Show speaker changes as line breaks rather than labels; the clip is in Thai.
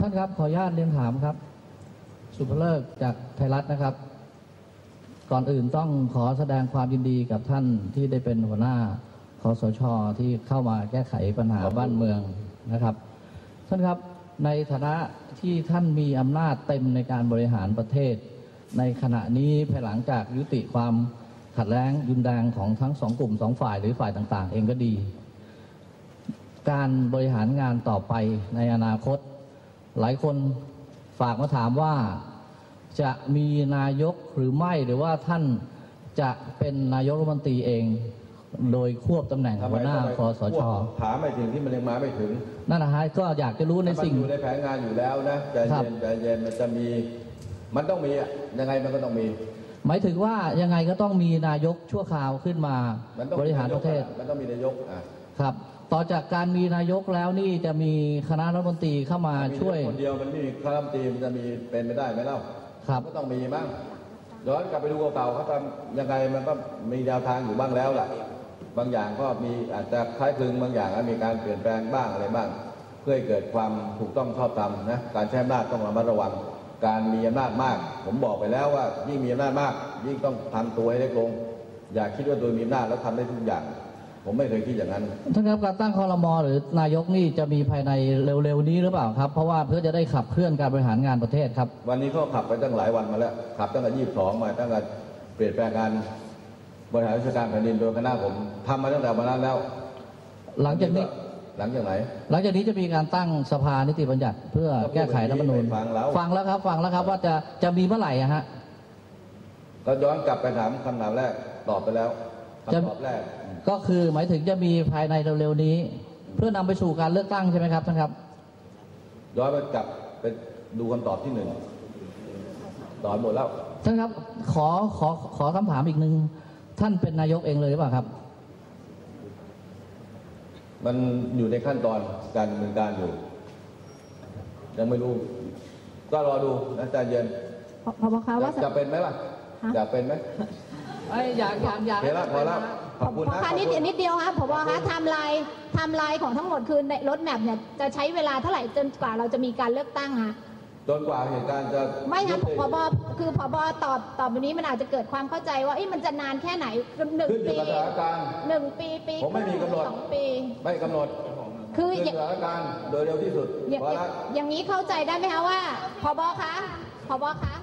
ท่านครับขออนุญาตเรียนถามครับสุภเลิกจากไทยรัฐนะครับก่อนอื่นต้องขอแสดงความยินดีกับท่านที่ได้เป็นหัวหน้าคสช.ที่เข้ามาแก้ไขปัญหาบ้านเมืองนะครับท่านครับในฐานะที่ท่านมีอำนาจเต็มในการบริหารประเทศในขณะนี้ภายหลังจากยุติความขัดแย้งรุนแรงของทั้งสองกลุ่มสองฝ่ายหรือฝ่ายต่างๆเองก็ดีการบริหารงานต่อไปในอนาคตหลายคนฝากมาถามว่าจะมีนายกหรือไม่หรือว่าท่านจะเป็นนายกรัฐมนตรีเองโดยควบตำแหน่งหัวหน้าคสช.
ถามไม่ถึงที่มันยังมาไม่ถึง
นั่นนะฮะก็อยากจะรู้ในสิ่ง
อยู่ในแผนงานอยู่แล้วนะใจเย็นใจเย็นมันจะมีมันต้องมียังไงมันก็ต้องมี
หมายถึงว่ายังไงก็ต้องมีนายกชั่วคราวขึ้นมาบริหารประเทศ
มันต้องมีนายก
ครับต่อจากการมีนายกแล้วนี่จะมีคณะรัฐมนตรีเข้ามาช่วย
คนเดียวมันไม่มีคณะรัฐมนตรีมันจะมีเป็นไม่ได้ไหมเล่า
ครับ
ก็ต้องมีบ้างย้อนกลับไปดูเก่าเขาทำยังไงมันก็มีแนวทางอยู่บ้างแล้วล่ะบางอย่างก็มีอาจจะคล้ายคลึงบางอย่างมีการเปลี่ยนแปลงบ้างอะไรบ้างเพื่อให้เกิดความถูกต้องชอบธรรมนะการใช้อำนาจต้องระมัดระวังการมีอำนาจมากผมบอกไปแล้วว่ายิ่งมีอำนาจมากยิ่งต้องทำตัวให้เล็กลงอย่าคิดว่าตัวมีอำนาจแล้วทำได้ทุกอย่างผมไม่เคยคิดอย่างนั้น
ท่านครับการตั้งครม.หรือนายกนี่จะมีภายในเร็วๆนี้หรือเปล่าครับเพราะว่าเพื่อจะได้ขับเคลื่อนการบริหารงานประเทศครับ
วันนี้เขาขับไปตั้งหลายวันมาแล้วขับตั้งแต่22มาตั้งแต่เปลี่ยนแปลงการบริหารราชการแผ่นดินโดยคณะผมทำมาตั้งแต่วันนั้นแล้ว
หลังจากนี้
หลังจากไหน
หลังจากนี้จะมีการตั้งสภานิติบัญญัติเพื่อแก้ไขรัฐธรรมนูญฟังแล้วครับว่าจะมีเมื่อไหร่ฮะ
ก็ย้อนกลับไปถามคำถามแรกตอบไปแล้วคำตอบแรก
ก็คือหมายถึงจะมีภายในเร็วๆนี้เพื่อนำไปสู่การเลือกตั้งใช่ไหมครับท่านครับ
ย้อนไปกลับไปดูคำตอบที่1ตอบหมดแล้ว
ท่านครับขอคำถามอีกนึงท่านเป็นนายกเองเลยหรือเปล่าครับ
มันอยู่ในขั้นตอนการดำเนินการอยู่ยังไม่รู้ก็รอดูนะใจเย็น
พบคะว่า
จะเป็นไหมล่ะอยากเป็นไหม
อยาก
พอแล้วขอบคุณนะ
นิดเดียวครับพบคะไทม์ไลน์ของทั้งหมดคือในรถแมพเนี่ยจะใช้เวลาเท่าไหร่จนกว่าเราจะมีการเลือกตั้งคะ
จนกว่าเหตุการณ์จะ
ไม่ครับพบคือพบตอบแบบนี้มันอาจจะเกิดความเข้าใจว่ามันจะนานแค่ไหน1 ปี1 ปี
ผมไม่มีกำหนด
2 ปี
ไม่กำหนด
คือ
สถานการณ์โดยเร็วที่สุด
อย่างนี้เข้าใจได้ไหมคะว่าพบคะ